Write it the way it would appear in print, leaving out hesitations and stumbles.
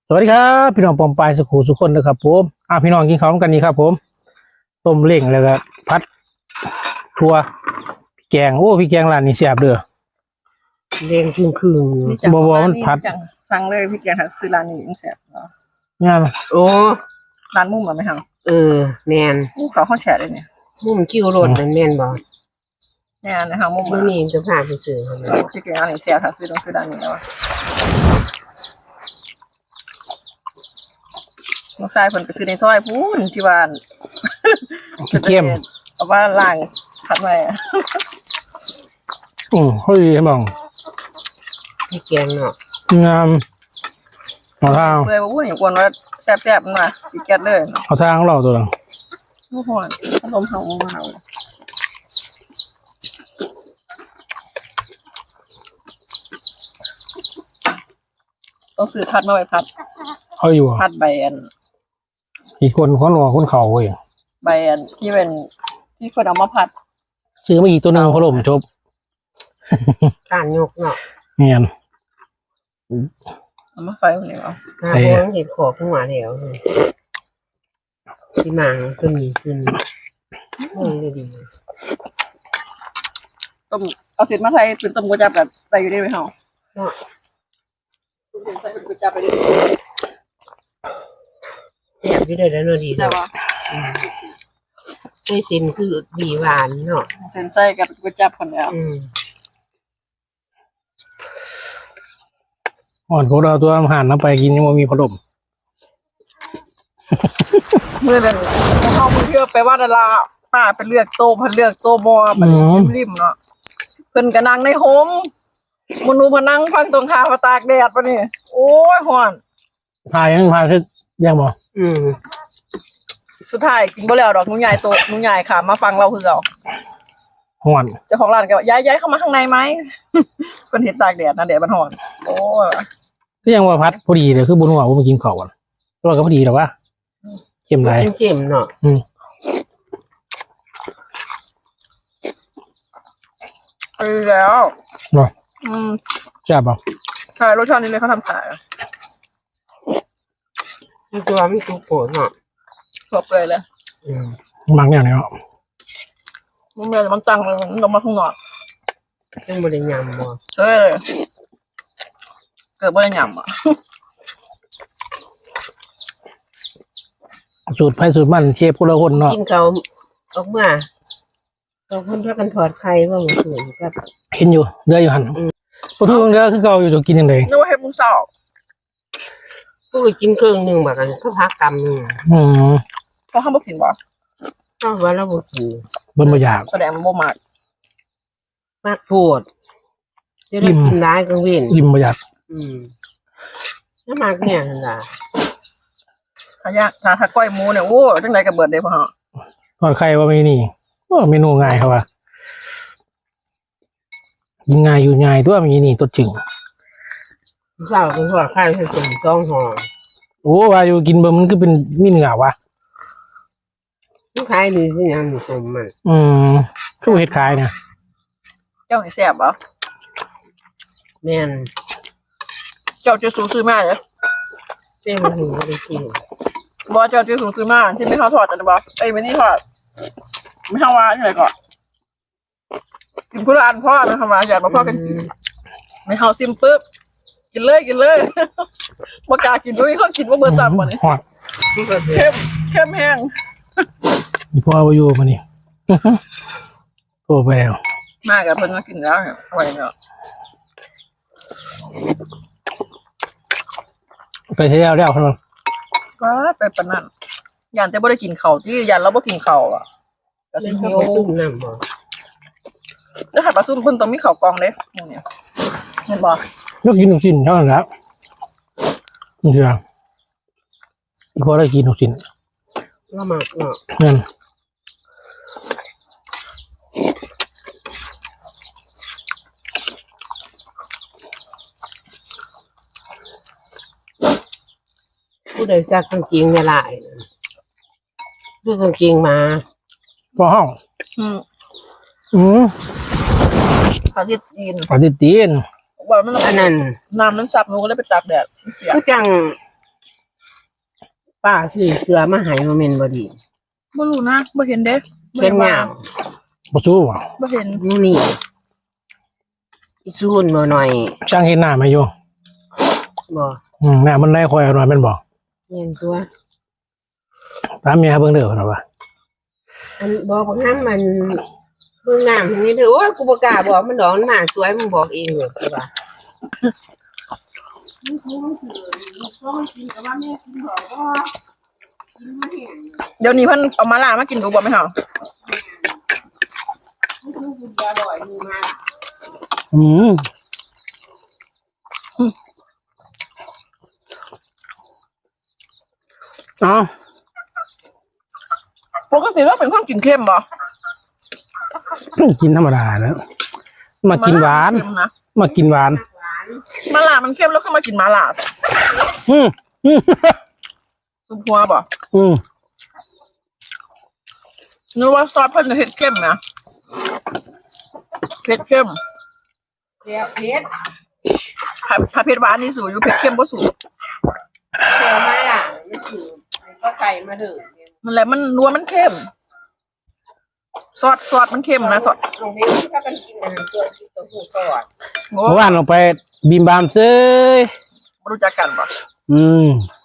สวัสดีครับพี่น้องปอมปายสุขุสุขคนนะครับผมพี่น้องกินข้าวกันนี่ครับผมต้มเล้งแล้วก็พัดทั่วแกงพี่แกงร้านนี้แซ่บเด้อเรียงคืนบ่มันพัดสั่งเลยพี่แกงซื้อร้านนี้ยังแซ่บเนาะงามโอ้ร้านมุ้งบ่ไหมครับแมนเขาแฉะเลยเนี่ยมุ้มคิวรถมันแมนบ่เนี่ยนะคะมุ้งมื้อนี้จะพาไปซื้อพี่แกงร้านนี้แซ่บถ้าซื้อต้องซื้อร้านนี้แล้วลูกชายเพิ่นก็ซื้อในซอยพูนที่บ้านเข้มเอาว่าล้างผัดไว้เฮ้ยมองพี่แกงเนาะงามเอาทางเปื่อยบ่พูดอย่างกวนว่าแซ่บๆมันมาพี่แกงเลยเอาทางของเราตัวนึงโอ้โหอารมณ์เฮาต้องซื้อผัดมาไว้ผัดเอาอยู่ผัดใบอันอีกคนหลอกคนเขาเว้ยใบอันที่เป็นที่คนเอามาผัดซื้อมาอีกตัวนึงพะโล้จบการยกเนาะเงียนเอามาไฟคนเดียวถ้าบ่เห็นขอขึ้นมาแล้วที่มาก็มีขึ้นเลยดีต้มเอาเสร็จมาใส่เป็นต้มก๋วยจั๊บแบบใส่อยู่ได้ไหมเฮาเนาะใส่เป็นก๋วยจั๊บไปดิแบบที่ได้แล้วเนาะดีแล้วใส่เส้นคือดีหวานเนาะเส้นใส่กับก๋วยจั๊บคนเดียวอ่อนโคตรเอาตัวอาหารน้ำไปกินยังไม่มีพะโล้เมื่อเป็นเข้ามือเที่ยวไปว่าดาราป้าไปเลือกโต๊ะเลือกโต๊ะบอมันริมเนาะเพิ่นก็นั่งในโฮมมนูพนังฟังตรงคาตากแดดปะนี่โอ้ยฮ้อนพายเสร็จยังบ่สุดท้ายกินบ่แล้วดอกหนูใหญ่โต๊ะหนูใหญ่ค่ะมาฟังเราคือเอาฮ้อนเจ้าของร้านก็ย้ายเข้ามาข้างในไหมเพิ่นเห็นตากแดดนะแดดมันฮ้อนโอ้ยก็ยังว่าพัดพอดีเลยคือบุญหัวผมกินข้าวก่อนตัวก็พอดีแต่ว่าเข้มไรเข้มเนาะแล้วแซ่บป่ะใช่รสชาตินี้เลยเขาทำขายมีตัวมีทุกโผล่เนาะครบเลยเลยมักอย่างนี้เนาะมันเมื่อมันตั้งเลยมันลงมาข้างนอกยังบริยำบ่เกิดบริยำอ่ะสูตรไผ่สูตรมันเชฟคนละคนเนาะกินเขาออกมาเราคนพากันถอดไข่ว่ามันสวยครับเห็นอยู่เดืออยู่หันพอทุกเดือคือเก่าอยู่จะกินยังไงนึกว่าเห็ดมุ้งเสาพวกกินเครื่องหนึ่งแบบกันก็พักกำหนึ่งเพราะข้าวบุกินบ่ก็ว่าเราบุกินบนบะยากแสดงมันบ่มากโพดจะได้กินได้กังเว้นริมบะยากน้ำมากเนี่ยนะถ้าก้อยหมูเนี่ยโอ้จังไรกับเบิร์ดเลยพ่อฮะทอดไข่ว่าไม่นี่เมนูง่ายครับว่าง่ายอยู่ง่ายตัวมีนี่ตัวจริงเจ้าเป็นทอดไข่ให้ส่งซองห่อว่าอยู่กินเบอร์มันก็เป็นมีเนื้อวะลูกค้าดีที่ยังมีสมมันสู้เห็ดขายเนี่ยเจ้าให้แซ่บเหรอแม่นเจ้าจะสูซื้อมาเหรอเจ้ามันอยู่ในที่บอเจ้าจะสูซื้อมาที่ไม่ทอดจันบอไม่นี่ทอดไม่ทำว่าใช่ไหมก่อนกินพุรันพ่อไม่ทำว่าอยากมาพ่อกันไม่เขาซิมปุ๊บกินเลยมากากินด้วยเขากินว่าเบอร์ต่ำกว่านี้เข้มแห้งนี่พ่อวายุมานี่โตไปแล้วมากกับเพิ่นมากินแล้วอร่อยเนาะไปเที่ยวแล้วครับก็ไปปนนั่นยันแต่บ่ได้กินข้าวที่ยันเราบ่กินข้าวอ่ะก็สิหิวน้ำบ่จะหัดปลาซุ่มเพิ่นต้องมีข้าวกองเด้เนี่ยเห็นบ่ยกกินหนุ่มชิ้นเท่านั้นแหละนี่คืออีกคนได้กินหนุ่มชิ้นละหมาดเนาะนั่นผู้ใดซักกางเกงเวลาดูกางเกงมาก็ห้องเขาที่ตีนเขาที่ตีนว่ามันอันนั้นน้ำมันซับหนูก็เลยไปตากแดดก็จังป้าซื้อเสื้อมาให้มาเมนบดีบ่รู้นะบ่เห็นเด้เขียนยาวบ่สู้ว่ะบ่เห็นนี่อีซูนมาหน่อยช่างเห็นหน้ามาอยู่บ่หน้ามันได้คอยเอาหน่อยแม่นบ่เขียนตัวตามเมียเบิ่งเด้อเพิ่นว่าอันบอกบางครั้งมันเพิ่งงามอย่างนี้เถอะโอ้ยกูบ่กล้าบอกมันดอกมันหน้าสวยมึงบอกเองเลยว่าเดี๋ยวนี้เพิ่นเอามาล่ามากินดูบ่แม่เฮาอืมเอ้าปกติเราเป็นคนกินเค็มบ่กินธรรมดาแล้วมากินหวานเค็มนะมากินหวานมาล่ามันเค็มแล้วขึ้นมากินมาล่าอืมอืมซุปหัวบ่อืมนึกว่าซอสเพิ่นจะเผ็ดเข้มนะเผ็ดเข้มเสียเพชรถ้าเผ็ดหวานนี่สูอยู่เผ็ดเข้มบ่สูเสียมาล่ะมันคือก็ไข่มาเด้อนั่นแหละมันนัวมันเข้มซอสมันเข้มนะซอสเอาเพชรที่พากันกินอันนั้นตัวที่ตัวหูสอดโอ้เมื่อวานลงไปบิมบามเซ้ยบ่รู้จักกันบ่อืม